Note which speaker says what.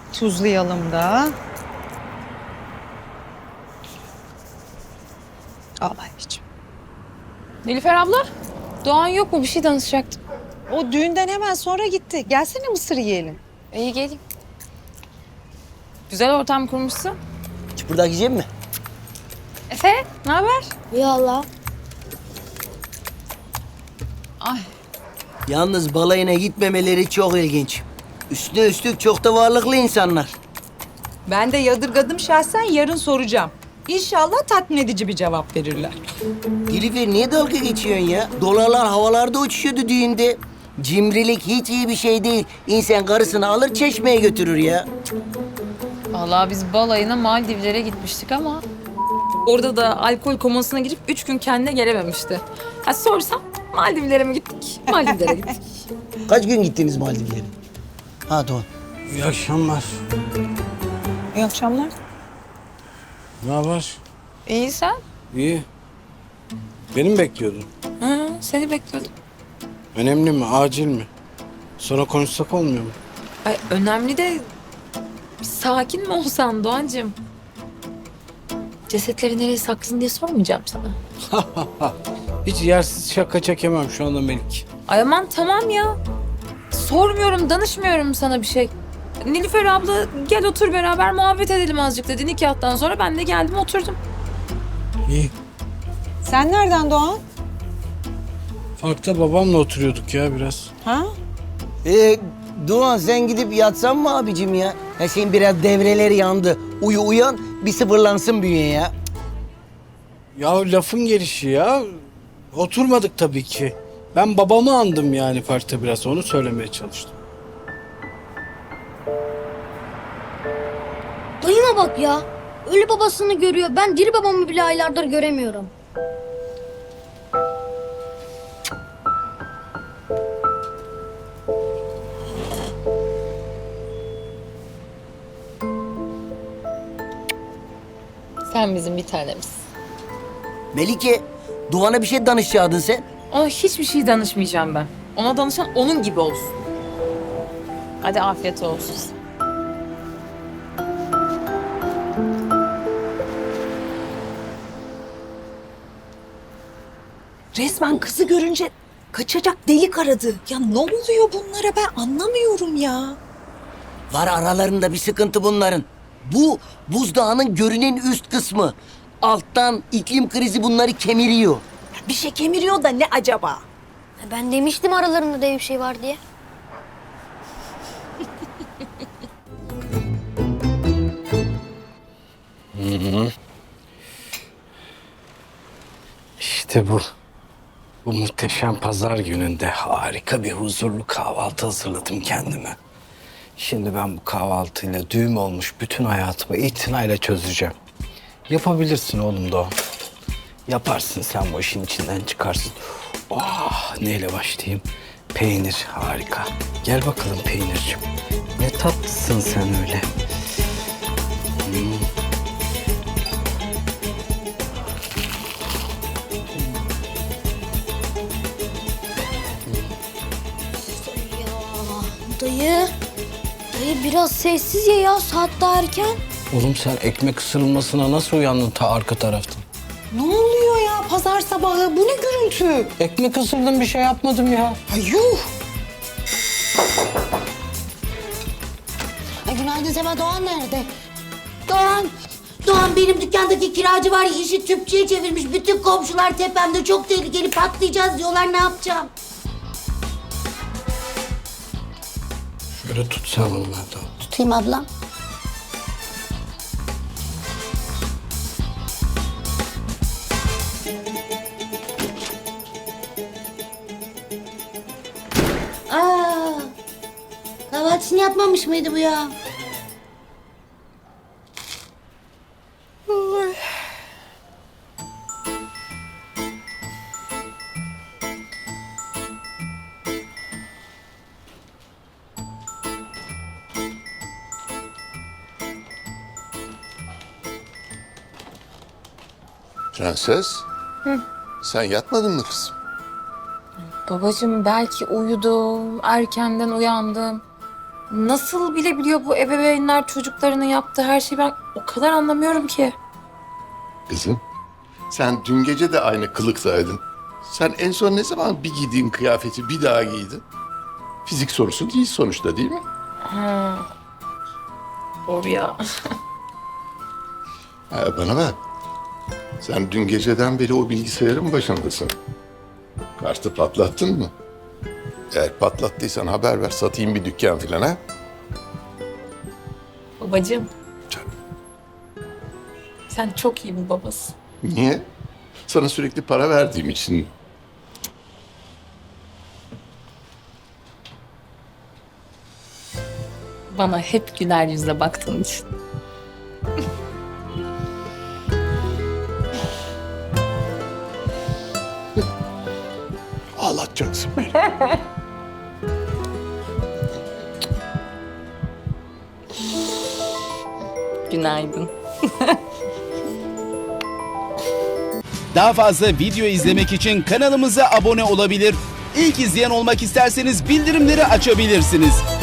Speaker 1: Tuzlayalım da. Al anneciğim.
Speaker 2: Nilüfer abla, Doğan yok mu? Bir şey danışacaktım.
Speaker 1: O düğünden hemen sonra gitti. Gelsene mısır yiyelim.
Speaker 2: İyi geleyim. Güzel ortam kurmuşsun.
Speaker 3: Çıpırdak yiyecek mi?
Speaker 2: Efe, ne haber?
Speaker 4: Ya Allah.
Speaker 2: Ay,
Speaker 3: Yalnız balayına gitmemeleri çok ilginç. Üstüne üstlük çok da varlıklı insanlar.
Speaker 1: Ben de yadırgadım şahsen, yarın soracağım. İnşallah tatmin edici bir cevap verirler.
Speaker 3: Nilüfer niye dalga geçiyorsun ya? Dolarlar havalarda uçuşuyordu düğünde. Cimrilik hiç iyi bir şey değil. İnsan karısını alır çeşmeye götürür ya.
Speaker 2: vallahi biz balayına Maldivlere gitmiştik ama... Orada da alkol komasına girip 3 gün kendine gelememişti. Ha sorsam Maldivlere mi gittik? Maldivlere gittik.
Speaker 3: Kaç gün gittiniz Maldivlere? Ha Doğan.
Speaker 5: İyi akşamlar.
Speaker 1: İyi akşamlar.
Speaker 5: Ne haber?
Speaker 2: İyi sen?
Speaker 5: İyi. Beni mi bekliyordun?
Speaker 2: Hı, seni bekliyordum.
Speaker 5: Önemli mi, acil mi? Sonra konuşsak olmuyor mu?
Speaker 2: Ay, önemli de bir sakin mi olsan Doğancığım? Cesetleri nereye sakladın diye sormayacağım sana.
Speaker 5: Hiç yersiz şaka çekemem şu anda Melik.
Speaker 2: Ay aman tamam ya. Sormuyorum, danışmıyorum sana bir şey. Nilüfer abla gel otur beraber muhabbet edelim azıcık dedi nikahtan sonra. Ben de geldim oturdum.
Speaker 5: İyi.
Speaker 1: Sen nereden Doğan?
Speaker 5: Parkta babamla oturuyorduk ya biraz.
Speaker 1: Ha?
Speaker 3: Doğan sen gidip yatsan mı abicim ya? Ya senin biraz devreleri yandı. Uyan bir sıfırlansın bünye ya.
Speaker 5: Ya lafın gelişi ya. Oturmadık tabii ki. Ben babamı andım yani parkta biraz. Onu söylemeye çalıştım.
Speaker 4: Dayıma bak ya. Ölü babasını görüyor. Ben diri babamı bile aylardır göremiyorum.
Speaker 2: Sen bizim bir tanemiz.
Speaker 3: Melike, Doğan'a bir şey danışacaktın sen.
Speaker 2: Ona hiçbir şey danışmayacağım ben. Ona danışan onun gibi olsun. Hadi afiyet olsun.
Speaker 1: Resmen kızı görünce kaçacak delik aradı. Ya ne oluyor bunlara, ben anlamıyorum ya.
Speaker 3: Var aralarında bir sıkıntı bunların. Bu buzdağının görünen üst kısmı. Alttan iklim krizi bunları kemiriyor.
Speaker 1: Bir şey kemiriyor da ne acaba?
Speaker 4: Ben demiştim aralarında dev bir şey var diye.
Speaker 5: İşte bu. Bu muhteşem pazar gününde harika bir huzurlu kahvaltı hazırladım kendime. Şimdi ben bu kahvaltıyla düğüm olmuş bütün hayatımı itinayla çözeceğim. Yapabilirsin oğlum Doğan. Yaparsın sen bu işin içinden çıkarsın. Oh, neyle başlayayım? Peynir harika. Gel bakalım peynirciğim. Ne tatlısın sen öyle.
Speaker 4: Dayı. Dayı biraz sessiz ye ya. Saat daha erken.
Speaker 5: Oğlum sen ekmek ısırılmasına nasıl uyandın ta arka taraftan?
Speaker 1: Ne oluyor ya pazar sabahı? Bu ne gürültü?
Speaker 5: Ekmek ısırdım bir şey yapmadım ya.
Speaker 1: Ay yuh!
Speaker 6: Ay günaydın Sema, Doğan nerede? Doğan! Doğan benim dükkandaki kiracı var ya işi tüpçüye çevirmiş. Bütün komşular tepemde, çok tehlikeli, patlayacağız diyorlar, ne yapacağım?
Speaker 5: Şöyle tut sen onu Melda.
Speaker 6: Tutayım ablam. Aa, kahvaltısını yapmamış mıydı bu ya?
Speaker 7: Prenses, sen yatmadın mı kızım?
Speaker 2: Babacığım belki uyudum, erkenden uyandım. nasıl bilebiliyor bu ebeveynler çocuklarının yaptığı her şeyi, ben o kadar anlamıyorum ki.
Speaker 7: Kızım, sen dün gece de aynı kılıktaydın. Sen en son ne zaman bir giydiğin kıyafeti bir daha giydin? Fizik sorusu değil sonuçta, değil mi?
Speaker 2: Doğru ya.
Speaker 7: Bana bak. Sen dün geceden beri o bilgisayarın başındasın. Kartı patlattın mı? Eğer patlattıysan haber ver, satayım bir dükkan filan ha.
Speaker 2: Babacığım,
Speaker 7: Canım.
Speaker 2: sen çok iyi bir babasın.
Speaker 7: Niye? Sana sürekli para verdiğim için.
Speaker 2: Bana hep güler yüzle baktığın için.
Speaker 7: Ağlatacaksın beni.
Speaker 2: Günaydın.
Speaker 8: Daha fazla video izlemek için kanalımıza abone olabilir. İlk izleyen olmak isterseniz bildirimleri açabilirsiniz.